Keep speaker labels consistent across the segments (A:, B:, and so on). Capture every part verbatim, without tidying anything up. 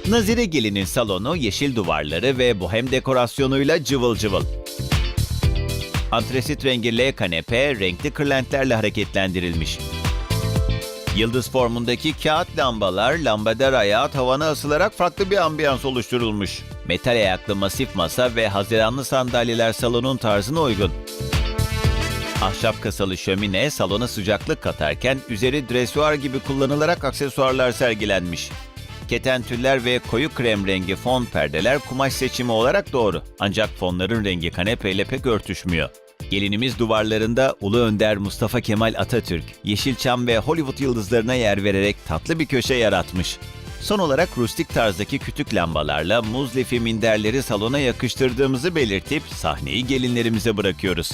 A: Nazire Gelin'in salonu yeşil duvarları ve bohem dekorasyonuyla cıvıl cıvıl. Antresit rengi L kanepe renkli kırlentlerle hareketlendirilmiş. Yıldız formundaki kağıt lambalar lambader ayağı tavana asılarak farklı bir ambiyans oluşturulmuş. Metal ayaklı masif masa ve haziranlı sandalyeler salonun tarzına uygun. Ahşap kasalı şömine salona sıcaklık katarken üzeri dresuar gibi kullanılarak aksesuarlar sergilenmiş. Keten tüller ve koyu krem rengi fon perdeler kumaş seçimi olarak doğru. Ancak fonların rengi kanepeyle pek örtüşmüyor. Gelinimiz duvarlarında Ulu Önder Mustafa Kemal Atatürk, Yeşilçam ve Hollywood yıldızlarına yer vererek tatlı bir köşe yaratmış. Son olarak rustik tarzdaki kütük lambalarla muz lifi minderleri salona yakıştırdığımızı belirtip sahneyi gelinlerimize bırakıyoruz.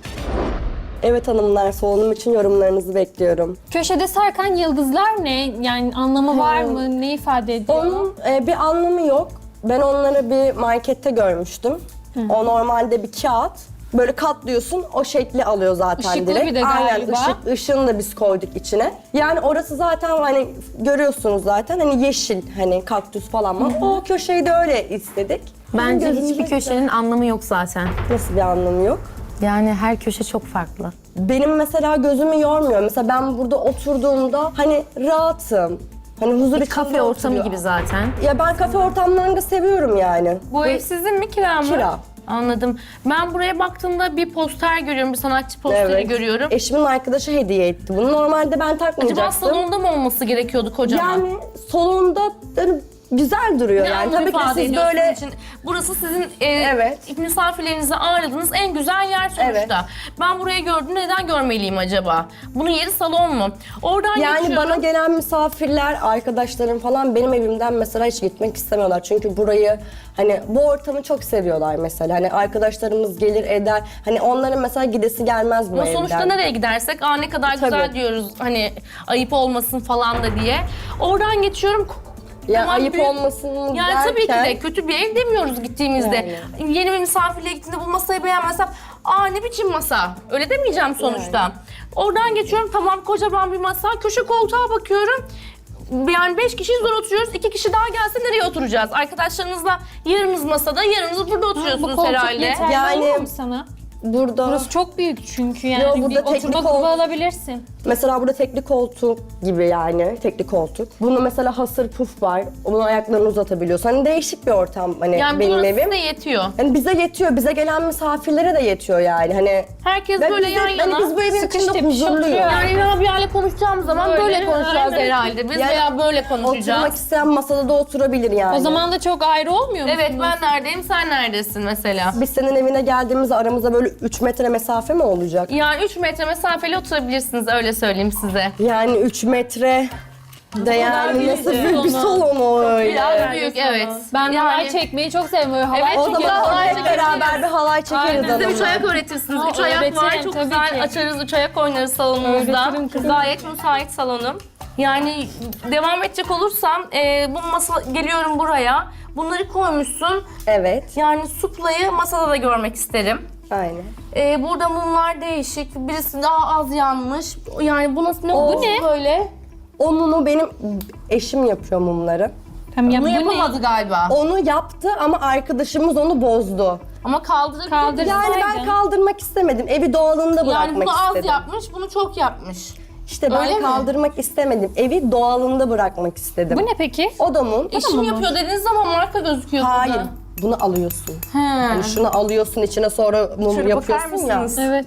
B: Evet hanımlar, salonum için yorumlarınızı bekliyorum.
C: Köşede sarkan yıldızlar ne? Yani anlamı var mı? Ne ifade ediyor?
B: Onun e, bir anlamı yok. Ben onları bir markette görmüştüm. O normalde bir kağıt. Böyle katlıyorsun, o şekli alıyor zaten
C: Işıklı
B: direkt.
C: bir de
B: Aynen,
C: galiba.
B: ışık, ışığını da biz koyduk içine. Yani orası zaten hani görüyorsunuz zaten hani yeşil, hani kaktüs falan var. O köşeyi de öyle istedik.
D: Bence
B: Gözümüze
D: hiçbir
B: güzel.
D: köşenin anlamı yok zaten.
B: Nasıl bir anlamı yok?
D: Yani her köşe çok farklı.
B: Benim mesela gözümü yormuyor. Mesela ben burada oturduğumda hani rahatım. Hani huzur
D: Bir
B: içinde
D: kafe ortamı
B: oturuyor.
D: gibi zaten.
B: Ya ben kafe ortamlarını da seviyorum yani.
E: Bu ev sizin mi, kira mı?
B: Kira.
E: Anladım. Ben buraya baktığımda bir poster görüyorum, bir sanatçı posteri
B: Evet.
E: görüyorum.
B: Eşimin arkadaşı hediye etti. Bunu normalde ben
E: Acaba
B: takmayacaktım.
E: salonda mı olması gerekiyordu kocaman?
B: Yani salonda yani güzel duruyor
E: Ne
B: yani.
E: anlam
B: Tabii ki
E: ifade
B: siz
E: ediyor
B: böyle
E: sizin için? Burası sizin e,
B: Evet.
E: misafirlerinizi ağırladığınız en güzel yer sonuçta.
B: Evet.
E: Ben burayı gördüm, neden görmeliyim acaba? Bunun yeri salon mu? Oradan
B: yani
E: geçiyorum.
B: bana gelen misafirler, arkadaşlarım falan benim evimden mesela hiç gitmek istemiyorlar. Çünkü burayı hani bu ortamı çok seviyorlar mesela. Hani arkadaşlarımız gelir eder. Hani onların mesela gidesi gelmez bu
E: Ama
B: evden.
E: sonuçta nereye gidersek, aa ne kadar güzel
B: Tabii.
E: diyoruz hani ayıp olmasın falan da diye. Oradan geçiyorum.
B: Ya
E: Tamam,
B: ayıp
E: büyük-
B: olmasın
E: Yani
B: derken...
E: tabii ki de kötü bir ev demiyoruz gittiğimizde. Yeni bir misafirliğe gittiğinde bu masayı beğenmezsem, aa ne biçim masa? Öyle demeyeceğim sonuçta. Oradan geçiyorum, tamam kocaman bir masa, köşe koltuğa bakıyorum. Yani beş kişi zor oturuyoruz, iki kişi daha gelse nereye oturacağız? Arkadaşlarınızla yarınız masada, yarınız burada
C: Bu
E: oturuyorsunuz
C: koltuk
E: herhalde.
C: yeterli
B: Yani-
C: olmuyor mu sana?
B: Burada
C: Burası çok büyük çünkü yani
B: Yo, burada
C: bir
B: teknik
C: oturma
B: ol-
C: grubu alabilirsin.
B: mesela burada tekli koltuk gibi yani tekli koltuk. Bunda mesela hasır puf var. Onun ayaklarını uzatabiliyorsun. Hani değişik bir ortam hani
E: Yani
B: benim
E: burası
B: evim.
E: size yetiyor.
B: Hani bize yetiyor, bize gelen misafirlere de yetiyor yani. Hani
E: Herkes
B: ben
E: böyle
B: bize-
E: yan
B: hani
E: yana.
B: biz bu evin
C: sıkış
B: içinde
C: tepiş
B: huzurluyuz.
C: oturuyor.
E: Yani Rabia'yla konuşacağımız zaman böyle,
C: Böyle,
E: konuşacağız
C: aynen.
E: herhalde. Biz
B: Yani
E: veya böyle
B: Oturmak
E: konuşacağız.
B: isteyen masada da oturabilir yani.
C: O zaman da çok ayrı olmuyor musunuz?
E: Evet, ben neredeyim, sen neredesin mesela?
B: biz senin evine geldiğimizde aramızda böyle üç metre mesafe mi olacak?
E: Yani üç metre mesafeli oturabilirsiniz, öyle söyleyeyim size.
B: Yani üç metre de yani nasıl büyük bir salon o öyle.
E: Biraz büyük, evet.
C: Ben
E: Yani-
C: halay çekmeyi çok seviyorum. Böyle halay
E: Evet,
B: O
E: çok
B: zaman
E: halay
B: hep
E: çekeriz.
B: beraber bir halay çekeriz
C: Aynen.
E: Biz de üç
B: hanımlar.
E: ayak öğretirsiniz.
C: Ha,
E: Üç ayak var,
C: öğretirim,
E: çok
C: tabii
E: güzel
C: ki.
E: açarız, üç ayak oynarız salonumuzda.
C: Öğretirim kızım.
E: Gayet müsait salonum. Yani devam edecek olursam, e, bu masa geliyorum buraya. Bunları koymuşsun.
B: Evet,
E: Yani suplayı masada da görmek isterim.
B: aynen.
E: E, burada mumlar değişik. Birisi daha az yanmış. Yani bu nasıl, ne,
B: O-
E: bu ne böyle?
B: O mumu benim eşim yapıyor mumları.
C: Tamam, ya,
E: Bunu
C: bu ne?
E: yapamadı galiba.
B: Onu yaptı ama arkadaşımız onu bozdu.
E: Ama kaldırabilir.
C: Kaldır.
B: Yani ben
C: Aynen.
B: kaldırmak istemedim. Evi doğalında
E: Yani
B: bırakmak
E: bunu az
B: istedim.
E: yapmış, bunu çok yapmış.
B: İşte ben
E: Öyle mi?
B: kaldırmak istemedim. Evi doğalında bırakmak istedim.
C: Bu ne peki?
B: O da mum.
E: Eşim yapıyor dediğiniz zaman marka gözüküyor
B: Hayır.
E: burada.
B: Bunu alıyorsun.
E: He.
B: Yani şunu alıyorsun içine sonra mum
E: Şöyle bakar
B: yapıyorsun ya.
E: mısınız?
C: Evet.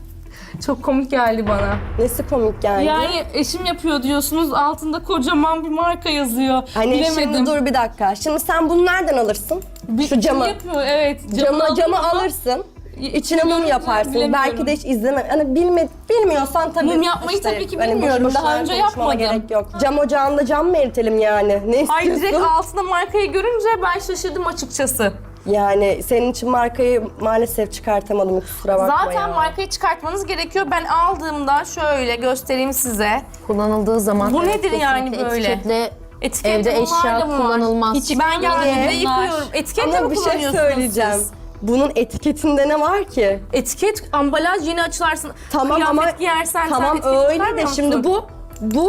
E: Çok komik geldi bana.
B: Nesi komik yani?
E: Yani eşim yapıyor diyorsunuz, altında kocaman bir marka yazıyor.
B: Hani
E: Bilemedim.
B: şimdi dur bir dakika. Şimdi sen bunu nereden alırsın?
E: Bir-
B: Şu camı.
E: Yapıyor, evet.
B: Camı,
E: aldım
B: camı
E: ama
B: alırsın. İçine mum
E: görünce
B: yaparsın.
E: bilemiyorum.
B: Belki de hiç izleme. Hani bilme, bilmiyorsan tabii.
E: Mum yapmayı tabii ki
B: hani boş
E: bilmiyorum.
B: boşuna
E: Daha önce
B: konuşmana
E: yapmadım.
B: gerek yok. Cam ocağında cam mı eritelim yani? Ne
E: Ay, direkt
B: istiyorsun?
E: altında markayı görünce ben şaşırdım açıkçası.
B: Yani senin için markayı maalesef çıkartamadım, kusura bakma
E: Zaten
B: ya.
E: markayı çıkartmanız gerekiyor. Ben aldığımda şöyle göstereyim size.
D: Kullanıldığı zaman
E: Bu
D: evet,
E: nedir yani
D: kesinlikle
E: böyle?
D: etiketle
E: Etiket
D: evde
E: bunlar
D: eşya
E: da mı var?
D: kullanılmaz.
E: Hiç ben geldiğimde
C: Bunlar.
E: yıkıyorum. Etiketle
B: Ama
E: mi
B: bir şey
E: kullanıyorsunuz
B: söyleyeceğim.
E: siz?
B: Bunun etiketinde ne var ki?
E: Etiket, ambalaj yeni açılarsın.
B: Tamam
E: Kıyafet
B: ama
E: giyersen
B: tamam
E: sen etiket
B: öyle de
E: çıkarmıyor
B: şimdi
E: musun?
B: bu bu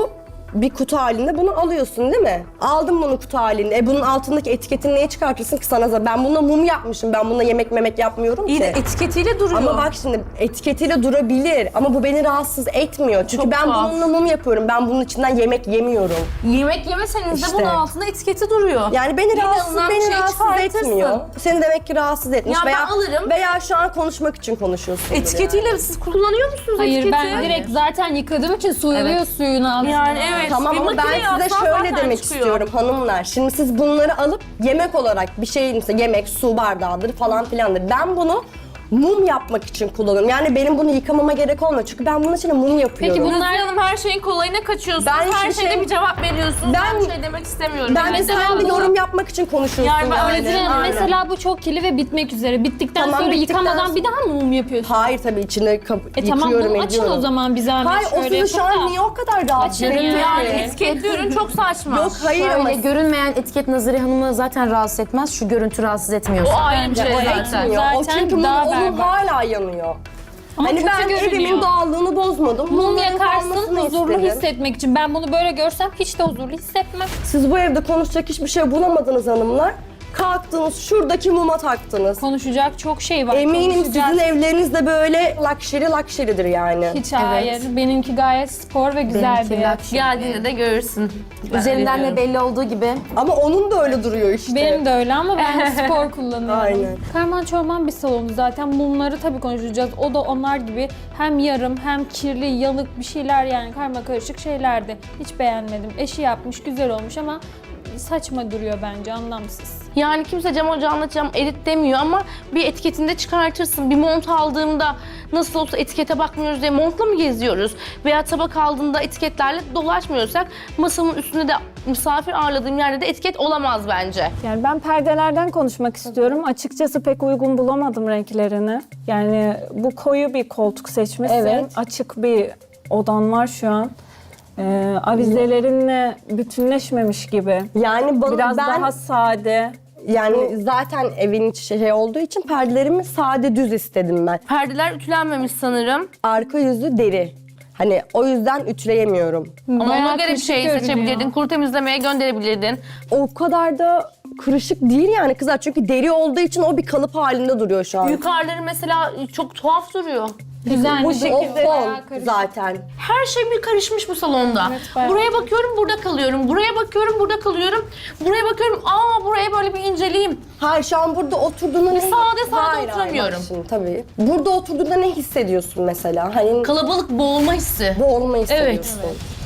B: bir kutu halinde bunu alıyorsun değil mi? Aldım bunu kutu halinde. E bunun altındaki etiketini niye çıkartırsın ki sana zaten? Ben bununla mum yapmışım. Ben bununla yemek memek yapmıyorum
E: İyi
B: ki.
E: de etiketiyle duruyor.
B: Ama bak şimdi etiketiyle durabilir ama bu beni rahatsız etmiyor. Çünkü
E: Çok
B: ben
E: tuhaf.
B: bununla mum yapıyorum. Ben bunun içinden yemek yemiyorum.
E: Yemek yemeseniz de
B: İşte.
E: bunun altında etiketi duruyor.
B: Yani beni
E: Yine
B: rahatsız,
E: alınan bir
B: beni
E: şey
B: rahatsız
E: çıkartırsın.
B: etmiyor. Seni demek ki rahatsız etmiş.
E: Ya ben
B: veya,
E: alırım.
B: Veya şu an konuşmak için konuşuyorsun.
E: Etiketiyle siz kullanıyor musunuz
C: Hayır
E: etiketi?
C: ben direkt zaten yıkadığım için suyuluyor
E: Evet.
C: suyun altına.
E: Yani evet.
B: Tamam
E: bir
B: ama ben
E: makineye
B: size
E: atsan
B: şöyle
E: zaten
B: demek
E: çıkıyor.
B: istiyorum hanımlar. Şimdi siz bunları alıp yemek olarak bir şey mesela yemek, su bardağıdır falan filandır. Ben bunu mum yapmak için kullanıyorum. Yani benim bunu yıkamama gerek olmuyor. Çünkü ben bunun için mum yapıyorum.
C: Peki
E: Bunlar Hanım her şeyin kolayına kaçıyorsunuz.
B: Ben
E: her
B: hiçbir
E: şeyde
B: şey-
E: bir cevap veriyorsunuz. Ben,
B: Ben-
E: bir şey demek istemiyorum.
B: ben de
C: mesela
B: sen de
C: bunu-
B: yorum yapmak için konuşuyorsun.
E: Yani ben öyle
B: yani.
E: değilim.
C: Yani
E: Aynen.
C: mesela bu çok kirli ve bitmek üzere. Bittikten
B: Tamam,
C: sonra
B: bittikten
C: yıkamadan
B: sonra-
C: bir daha mı mum yapıyorsun?
B: Hayır tabii içine kap-
C: E tamam
B: yıkıyorum
C: bunu açın
B: ediyorum.
C: o zaman bir zahmet
B: Hayır o
C: şöyle
B: sizi şu
C: yapın da.
B: an niye o kadar rahatsız
C: Açın
B: ediyor?
C: yani.
E: Yani etiketli ürün çok saçma.
B: Yok hayır ama
D: Öyle görünmeyen etiket Nazire Hanım'ı zaten rahatsız etmez. Şu görüntü rahatsız
E: O
D: etmiyorsa.
E: ayrı bir şey
B: o
E: zaten.
B: etmiyor. O
C: Zaten
B: çünkü mum
C: daha
B: onun
C: berbat.
B: hala yanıyor.
C: Ama
B: hani
C: kötü
B: ben
C: görünüyor.
B: evimin doğallığını bozmadım.
C: Mum
B: Mumların
C: yakarsın
B: kalmasını
C: huzurlu
B: istedim.
C: hissetmek için. Ben bunu böyle görsem hiç de huzurlu hissetmem.
B: Siz bu evde konuşacak hiçbir şey bulamadınız hanımlar. Kalktınız şuradaki muma taktınız.
C: Konuşacak çok şey var.
B: Eminim
C: konuşacak.
B: sizin evleriniz de böyle luxury luxury'dir yani.
C: Hiç hayır. Benimki gayet spor ve güzel
D: Benimki
C: bir
D: luxury.
E: Geldiğinde de görürsün. Ben
D: Üzerinden
E: öyle
D: de belli olduğu gibi.
B: Ama onun da öyle duruyor işte.
C: Benim de öyle ama ben spor kullanıyorum.
B: Aynen.
C: Karman çorman bir salonu zaten. Mumları tabii konuşacağız. O da onlar gibi hem yarım hem kirli, yanık bir şeyler yani karma karışık şeylerdi. Hiç beğenmedim. Eşi yapmış, güzel olmuş ama saçma duruyor bence, anlamsız.
E: Yani kimse cam ocağına cam erit demiyor ama bir etiketinde çıkartırsın. Bir mont aldığımda nasıl olsa etikete bakmıyoruz diye montla mı geziyoruz? Veya tabak aldığında etiketlerle dolaşmıyorsak masamın üstünde de misafir ağırladığım yerde de etiket olamaz bence.
F: Yani ben perdelerden konuşmak istiyorum. Açıkçası pek uygun bulamadım renklerini. Yani bu koyu bir koltuk seçmişsin.
B: Evet.
F: Açık bir odan var şu an. Ee, avizelerinle bütünleşmemiş gibi.
B: Yani bana
F: Biraz
B: ben
F: daha sade.
B: yani zaten evin içi şey olduğu için perdelerimi sade düz istedim ben.
E: Perdeler ütülenmemiş sanırım.
B: Arka yüzü deri. Hani o yüzden ütüleyemiyorum.
E: Ama
C: Bayağı
E: ona göre bir
C: kırışık
E: şey
C: görünüyor.
E: seçebilirdin. Kuru temizlemeye gönderebilirdin.
B: O kadar da kırışık değil yani kızlar. Çünkü deri olduğu için o bir kalıp halinde duruyor şu an.
E: Yukarıları mesela çok tuhaf duruyor.
C: Güzel
B: Bu
C: bir
B: o
C: şekilde
B: fon
C: bayağı karışık.
B: zaten.
E: Her şey bir karışmış bu salonda.
C: Evet, bayağı.
E: Buraya bakıyorum burada kalıyorum. Buraya bakıyorum burada kalıyorum. Buraya bakıyorum aa buraya böyle bir inceleyeyim.
B: Hayır şu an burada oturduğunda ne...
E: sade sade
B: Hayır, hayır,
E: oturamıyorum.
B: bak şimdi tabii. Burada oturduğunda ne hissediyorsun mesela? Hani
E: Kalabalık boğulma hissi.
B: bu olmayı hissediyorsun.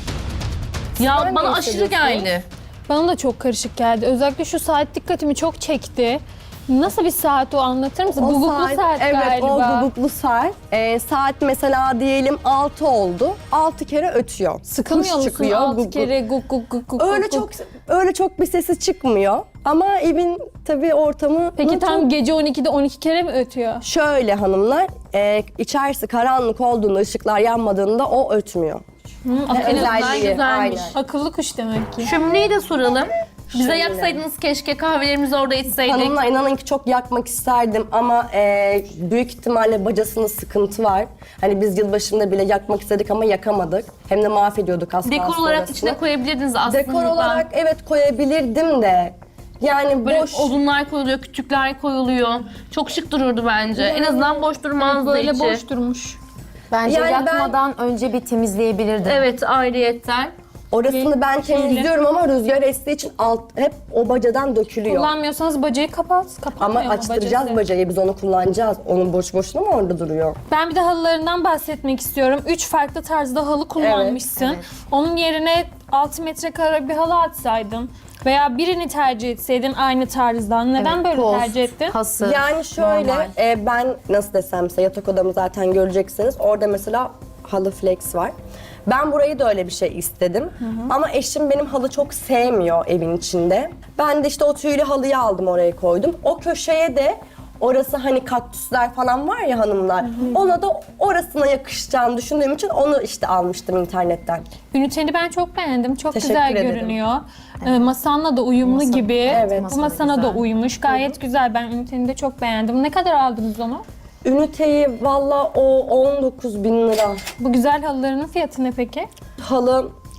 E: Ya
B: Sen
E: bana
B: ne
E: aşırı
B: hissediyorsun?
E: geldi.
C: Bana da çok karışık geldi. Özellikle şu saat dikkatimi çok çekti. Nasıl bir saat o, anlatır mısın? Guguklu saat,
B: evet,
C: galiba.
B: o guguklu saat. Ee, saat mesela diyelim altı oldu. altı kere ötüyor.
C: Sıkılmıyor
B: Kuş
C: musun?
B: çıkıyor,
C: Altı
B: guguk.
C: kere guk guk guk guk
B: Öyle
C: guk
B: çok
C: guk.
B: öyle çok bir sesi çıkmıyor. Ama evin tabii ortamı
C: Peki tam gece on ikide on iki kere mi ötüyor?
B: şöyle hanımlar, e, içerisi karanlık olduğunda, ışıklar yanmadığında o ötmüyor.
E: En azından
B: Özelliği,
E: güzelmiş.
B: aynen.
C: Akıllı kuş demek ki.
E: Şömineyi de soralım. Bize
B: Şöyle.
E: yaksaydınız keşke kahvelerimizi orada içseydik.
B: Hanımlar inanın ki çok yakmak isterdim ama e, büyük ihtimalle bacasının sıkıntı var. Hani biz yılbaşında bile yakmak istedik ama yakamadık. Hem de mahvediyorduk az
E: Dekor
B: kalsın
E: olarak
B: orasını.
E: içine koyabilirdiniz aslında.
B: Dekor olarak evet koyabilirdim de. Yani
E: Böyle
B: boş.
E: odunlar koyuluyor, kütükler koyuluyor. Çok şık dururdu bence. En azından boş durmazdı
C: Böyle
E: içi.
C: boş durmuş.
D: Bence
B: Yani ben-
D: yakmadan önce bir temizleyebilirdim.
E: Evet, ayrıyetten.
B: Orasını ben temizliyorum ama rüzgar estiği için alt, hep o bacadan dökülüyor.
C: Kullanmıyorsanız bacayı kapat.
B: Ama
C: Kapanmıyor mu
B: açtıracağız
C: bacası?
B: bacayı, biz onu kullanacağız. Onun boş boşuna mı orada duruyor?
C: Ben bir de halılarından bahsetmek istiyorum. Üç farklı tarzda halı kullanmışsın.
B: evet.
C: Onun yerine altı metrekare bir halı atsaydın veya birini tercih etseydin aynı tarzdan. Neden
B: Evet,
C: böyle
B: post,
C: tercih ettin?
D: Hasır.
B: Yani şöyle,
D: normal.
B: e, ben nasıl desem size yatak odamı zaten göreceksiniz. Orada mesela halı flex var. Ben burayı da öyle bir şey istedim. Ama eşim benim halı çok sevmiyor evin içinde. Ben de işte o tüylü halıyı aldım oraya koydum. O köşeye de orası hani kaktüsler falan var ya hanımlar. Ona da orasına yakışacağını düşündüğüm için onu işte almıştım internetten.
C: Üniteni ben çok beğendim. Çok
B: Teşekkür
C: güzel
B: ederim.
C: görünüyor. Ee, masanla da uyumlu gibi.
B: Evet.
C: Bu masana da
D: güzel.
C: uymuş. Gayet güzel. Ben üniteni de çok beğendim. Ne kadar aldınız onu?
B: Üniteyi valla o on dokuz bin lira.
C: Bu güzel halılarının fiyatı ne peki?
B: Halı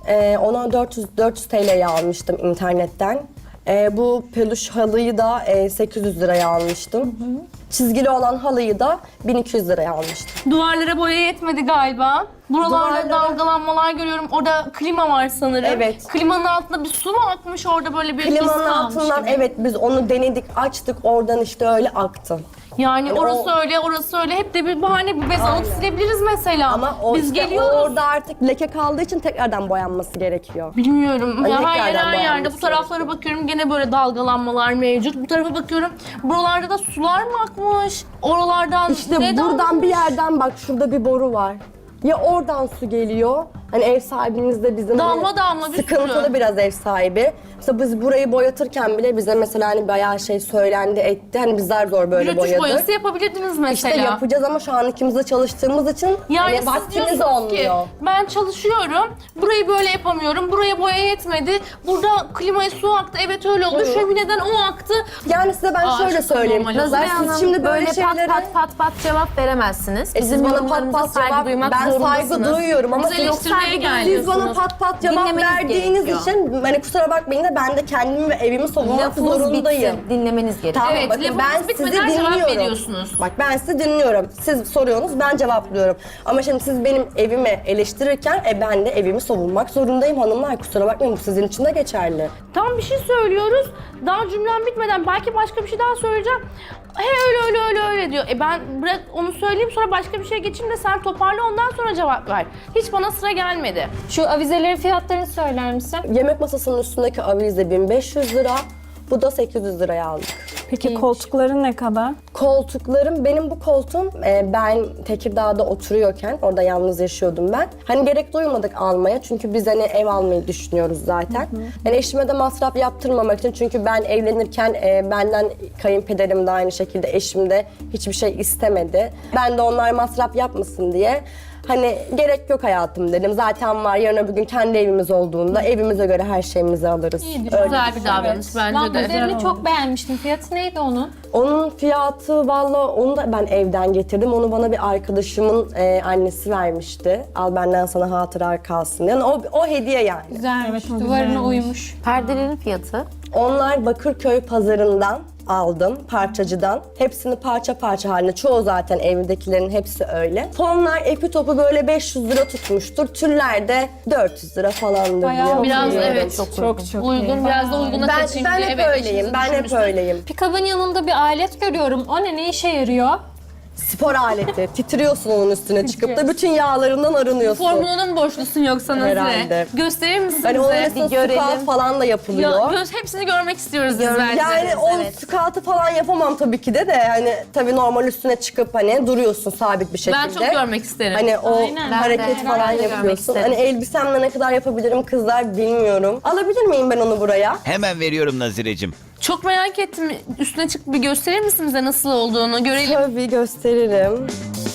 B: Ee, ona dört yüz dört yüz T L'ye almıştım internetten. Ee, bu peluş halıyı da e, sekiz yüz liraya almıştım. Çizgili olan halıyı da bin iki yüz liraya almıştım.
E: Duvarlara boya yetmedi galiba. Buralarda
B: Duvarlara-
E: dalgalanmalar görüyorum. Orada klima var sanırım.
B: Evet.
E: Klimanın altında bir su mu akmış orada böyle bir
B: Klimanın
E: his kalmış
B: altından
E: gibi.
B: evet biz onu denedik, açtık, oradan işte öyle aktı.
E: Yani
B: Yani
E: orası
B: o-
E: öyle, orası öyle. Hep de bir bahane, bir bez alıp silebiliriz mesela.
B: Ama o
E: Biz
B: işte
E: geliyoruz.
B: orada artık leke kaldığı için tekrardan boyanması gerekiyor.
E: Bilmiyorum.
B: Hani
E: Ya her
B: tekrardan
E: yer her yerde.
B: boyanması
E: Bu taraflara bakıyorum gene böyle dalgalanmalar mevcut. Bu tarafa bakıyorum. Buralarda da sular mı akmış? Oralardan
B: İşte
E: ne
B: buradan
E: damlamış?
B: bir yerden bak, şurada bir boru var. Ya oradan su geliyor. Hani ev sahibimiz de bizim
E: Damla
B: hani
E: damla bir
B: sıkıntılı
E: sürü.
B: biraz ev sahibi. Mesela biz burayı boyatırken bile bize mesela hani bayağı şey söylendi etti. Hani biz zar zor böyle
E: Rötuş
B: boyadık.
E: boyası yapabilirdiniz mesela.
B: İşte yapacağız ama şu an ikimiz de çalıştığımız için
E: Yani
B: hani
E: siz
B: vaktimiz
E: diyorsunuz ki
B: olmuyor.
E: ben çalışıyorum, burayı böyle yapamıyorum, buraya boya yetmedi, burada klimaya su aktı, evet öyle oldu, şömineden o aktı.
B: Yani size ben
E: Aa,
B: şöyle
E: çok
B: söyleyeyim.
E: normal.
B: Kızlar,
D: Nazire
B: siz
D: Hanım
B: şimdi böyle,
D: pat
B: şeylere...
D: pat pat pat cevap veremezsiniz.
B: E siz
D: Bizim
B: bana pat
D: yorumlarımıza
B: pat
D: saygı
B: cevap,
D: duymak
B: ben saygı
D: zorundasınız.
B: duyuyorum ama
E: Biz
B: siz,
E: eleştirmeye geldik.
B: siz bana pat pat cevap
D: Dinlemeniz
B: verdiğiniz
D: gerekiyor.
B: için hani kusura bakmayın da ben de kendimi ve evimi savunmak
D: Lafınız
B: zorundayım.
D: bitsin, dinlemeniz gerekiyor.
B: Tamam,
E: Evet,
B: bakın
E: lafınız
B: ben sizi
E: bitmeden cevap
B: dinliyorum.
E: veriyorsunuz.
B: Bak ben sizi dinliyorum. Siz soruyorsunuz, ben cevaplıyorum. Ama şimdi siz benim evimi eleştirirken e, ben de evimi savunmak zorundayım hanımlar. Kusura bakmayın, bu sizin için de geçerli.
E: Tam bir şey söylüyoruz, daha cümlem bitmeden belki başka bir şey daha söyleyeceğim. He öyle öyle öyle öyle diyor. E ben bırak onu söyleyeyim, sonra başka bir şey geçeyim de sen toparla, ondan sonra cevap ver. Hiç bana sıra gelmedi.
C: Şu avizelerin fiyatlarını söyler misin?
B: Yemek masasının üstündeki avize bin beş yüz lira. Bu da sekiz yüz liraya aldık.
F: Peki koltukları ne kadar?
B: Koltuklarım, benim bu koltuğum e, ben Tekirdağ'da oturuyorken, orada yalnız yaşıyordum ben. Hani gerek duymadık almaya çünkü biz hani ev almayı düşünüyoruz zaten. Yani eşime de masraf yaptırmamak için, çünkü ben evlenirken e, benden kayınpederim de aynı şekilde, eşim de hiçbir şey istemedi. Ben de onlar masraf yapmasın diye hani gerek yok hayatım dedim. Zaten var, yarın öbür gün kendi evimiz olduğunda evimize göre her şeyimizi alırız.
C: İyidir.
B: Öyle.
E: Güzel bir davranış bence de.
C: Lambaderini çok beğenmiştim. Fiyatı neydi onun?
B: Onun fiyatı valla, onu da ben evden getirdim. Onu bana bir arkadaşımın e, annesi vermişti. Al benden sana hatıra kalsın. Yani o, o hediye yani.
C: Güzelmiş.
F: Evet, o
C: Duvarına
F: güzelmiş.
C: uymuş.
D: Perdelerin fiyatı.
B: Onlar Bakırköy pazarından aldım, parçacıdan. Hepsini parça parça halinde. Çoğu zaten evdekilerin hepsi öyle. Fonlar epi topu böyle beş yüz lira tutmuştur. Tüller de dört yüz lira falandır
C: Bayağı
B: diye
E: Biraz
B: hatırlıyorum.
E: evet,
D: Çok
F: Çok çok iyi.
E: uygun, biraz da uyguna
B: Ben,
E: kaçayım
B: ben
E: diye.
B: hep
E: Evet,
B: öyleyim,
E: eşinizi
B: ben hep
E: düşünmüşsünüz.
B: öyleyim.
C: Pikabın yanında bir alet görüyorum. O ne? Ne işe yarıyor?
B: Spor aleti. Titriyorsun onun üstüne çıkıp da bütün yağlarından arınıyorsun.
E: Formülünün mü borçlusun yoksa Nazire?
B: Herhalde.
E: Gösterir misin
B: Hani onun
E: bize?
B: üstüne
D: görelim.
B: squat falan da yapılıyor.
E: Ya, göz, hepsini görmek istiyoruz biz bence.
B: Yani o
D: evet.
B: squat'ı falan yapamam tabii ki de de hani tabii normal üstüne çıkıp hani duruyorsun sabit bir şekilde.
E: Ben çok görmek isterim.
B: Hani o
C: Aynen.
B: hareket
D: Ben de
B: falan
D: herhalde görmek
B: yapıyorsun.
D: isterim.
B: Hani elbisemle ne kadar yapabilirim kızlar bilmiyorum. Alabilir miyim ben onu buraya?
A: Hemen veriyorum Nazire'cim.
E: Çok merak ettim. Üstüne çıkıp bir gösterir misin bize nasıl olduğunu? Görelim.
B: Tabii gösteririm.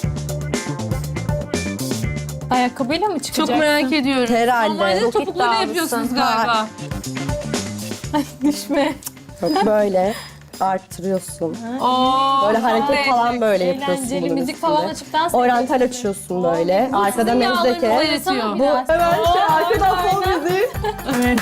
C: Ayakkabıyla mı çıkacaksın?
E: Çok merak ediyorum.
B: Herhalde.
E: Normalde
D: Çok
E: topuklarla
D: iddialısın.
E: yapıyorsunuz galiba.
C: Düşme.
B: Çok böyle arttırıyorsun.
E: Oo,
B: Böyle hareket
E: evet.
B: falan böyle yapıyorsun
C: Eğlenceli
B: bunun
C: müzik
B: üstünde.
C: falan açıp dans
B: Oriental
C: ediyorsun.
B: açıyorsun böyle. Arkada
E: sizin yağlarınızı
B: mezdeke.
E: oynatıyor.
B: Bu hemen şey arkadan fon müziği.
F: Evet.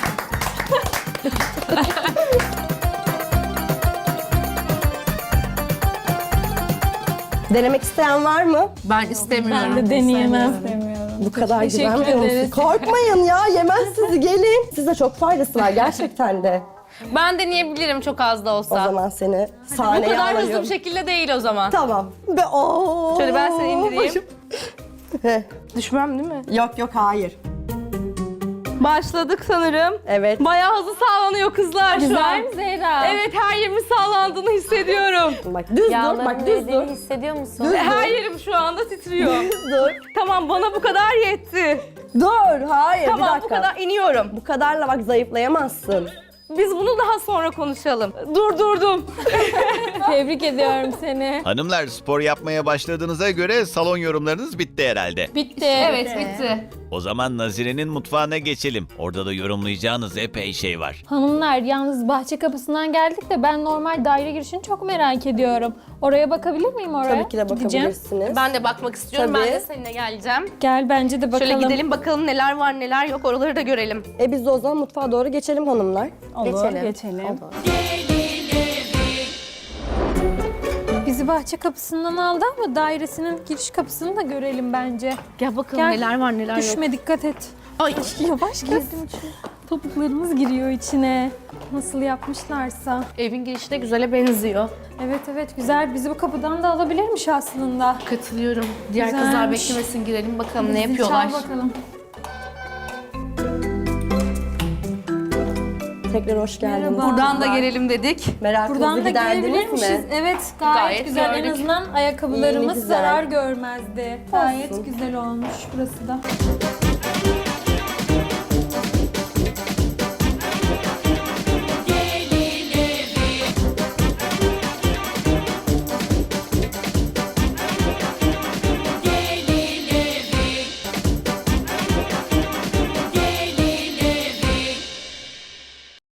B: Denemek isteyen var mı?
E: Ben istemiyorum.
C: Ben de deneyemem.
F: İstemiyorum.
B: Bu kadar
C: Teşekkür
B: güvenmiyor musun?
C: ederiz.
B: Korkmayın ya, yemez sizi, gelin. Size çok faydası var gerçekten de.
E: Ben deneyebilirim çok az da
B: O
E: olsa.
B: zaman seni
E: Bu
B: sahneye
E: kadar
B: alayım.
E: hızlı bir şekilde değil o zaman.
B: Tamam. Be oo.
E: Şöyle ben seni indireyim.
B: Başım. Heh.
E: Düşmem değil mi?
B: Yok yok, hayır.
E: Başladık sanırım.
B: Evet.
E: Bayağı hızlı sağlanıyor kızlar şu
C: Güzel
E: an.
C: mi Zehra?
E: Evet, her yerimin sağlandığını hissediyorum.
B: Bak düz dur,
D: Yağların
B: bak düz dur.
D: eridiğini hissediyor musun?
B: Düz
E: Her
B: dur.
E: yerim şu anda titriyor.
B: Düz dur.
E: Tamam, bana bu kadar yetti.
B: Dur, hayır bir
E: Tamam,
B: dakika.
E: bu kadar iniyorum.
B: Bu kadarla bak zayıflayamazsın.
E: Biz bunu daha sonra konuşalım. Durdurdum.
C: Tebrik ediyorum seni.
A: Hanımlar, spor yapmaya başladığınıza göre salon yorumlarınız bitti herhalde.
C: Bitti.
E: Evet, bitti.
A: O zaman Nazire'nin mutfağına geçelim. Orada da yorumlayacağınız epey şey var.
C: Hanımlar, yalnız bahçe kapısından geldik de ben normal daire girişini çok merak ediyorum. Oraya bakabilir miyim oraya?
B: Tabii ki de
C: Gideceğim.
B: bakabilirsiniz.
E: Ben de bakmak istiyorum.
B: Tabii.
E: Ben de seninle geleceğim.
C: Gel bence de bakalım.
E: Şöyle gidelim bakalım neler var neler yok oraları da görelim.
B: E biz de o zaman mutfağa doğru geçelim hanımlar.
F: Olur,
E: Geçelim.
F: geçelim.
C: Bizi bahçe kapısından aldı ama dairesinin giriş kapısını da görelim bence.
E: Gel bakalım
C: Gel.
E: neler var neler yok.
C: Düşme, dikkat et.
E: Ay
C: Yavaş gel. Topuklarımız giriyor içine. Nasıl yapmışlarsa.
E: evin girişi de güzele benziyor.
C: Evet evet güzel. Bizi bu kapıdan da alabilirmiş aslında.
E: Katılıyorum. Diğer
C: Güzelmiş.
E: kızlar beklemesin girelim bakalım ne
C: Zil
E: yapıyorlar.
C: Çal bakalım.
B: Tekrar hoş geldiniz.
C: Merhaba.
E: Buradan da gelelim dedik.
B: Merakınızı
C: Buradan da
B: giderdiniz
C: girebilirmişiz.
B: mi?
C: Evet gayet,
E: Gayet
C: güzel. En
E: gördük.
C: azından ayakkabılarımız
B: İyi, güzel.
C: zarar görmezdi. Gayet güzel olmuş burası da.